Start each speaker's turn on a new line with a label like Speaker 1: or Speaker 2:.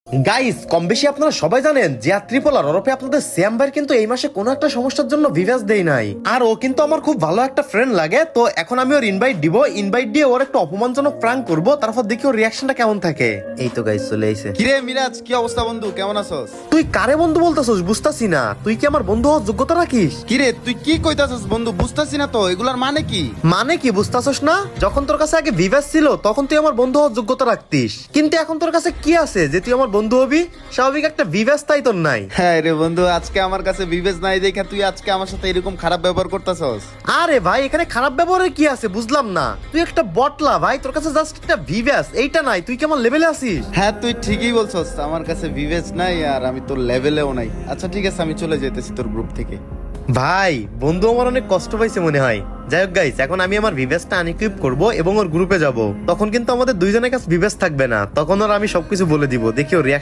Speaker 1: Guys, কম বেশি আপনারা সবাই জানেন যে ট্রিপলার ওরফে আপনাদের শ্যাম ভাই কিন্তু এই মাসে কোনো একটা সমস্যার জন্য ভিভাস দেই নাই। আর ও কিন্তু আমার খুব ভালো একটা ফ্রেন্ড লাগে, তো এখন আমি ওর ইনভাইট দিব। ইনভাইট দিয়ে ওর একটা অপমানজনক প্র্যাঙ্ক করব, তারপর দেখি ওর রিঅ্যাকশনটা কেমন থাকে। এই তো গাইস চলে আইছে।
Speaker 2: কিরে মিরাজ, কি অবস্থা বন্ধু? কেমন আছস?
Speaker 1: তুই কারে বন্ধু বলতাছস বুঝতাছি না। তুই কি আমার বন্ধু হওয়ার যোগ্যতা রাখিস?
Speaker 2: কিরে তুই কি কইতাছস বন্ধু? বুঝতাছি না তো এগুলার মানে কি?
Speaker 1: মানে কি বুঝতাছস না? যখন তোর কাছে আগে ভিভাস ছিল তখন তুই আমার বন্ধু হওয়ার যোগ্যতা রাখতিস, কিন্তু এখন তোর কাছে কি আছে যে তুই আমার বন্ধু হবি? স্বাভাবিক একটা ভিভাস তাই তোর নাই।
Speaker 2: হ্যাঁ রে বন্ধু, আজকে আমার কাছে বিবেচ নাই দেখা তুই আজকে আমার সাথে এরকম খারাপ ব্যবহার করতাছস।
Speaker 1: আরে ভাই, এখানে খারাপ ব্যবহারের কি আছে বুঝলাম না। তুই একটা বটলা ভাই, তোর কাছে জাস্ট একটা ভিভাস এইটা নাই। তুই কেমন লেভেলে আছিস?
Speaker 2: হ্যাঁ তুই ঠিকই বলছস, আমার কাছে বিবেচ নাই আর আমি তোর লেভেলেও নাই। আচ্ছা ঠিক আছে, আমি চলে যেতেছি তোর গ্রুপ থেকে।
Speaker 1: ভাই, বন্ধু আমার অনেক কষ্ট পাইছে মনে হয়। যাই হোক গাইস, এখন আমি আমার ভিভাসটা আনইকুইপ করব এবং ওর গ্রুপে যাব। তখন কিন্তু আমাদের দুইজনের কাছে ভিভাস থাকবে না, তখন ওর আমি সবকিছু বলে দিব। দেখি ওর reaction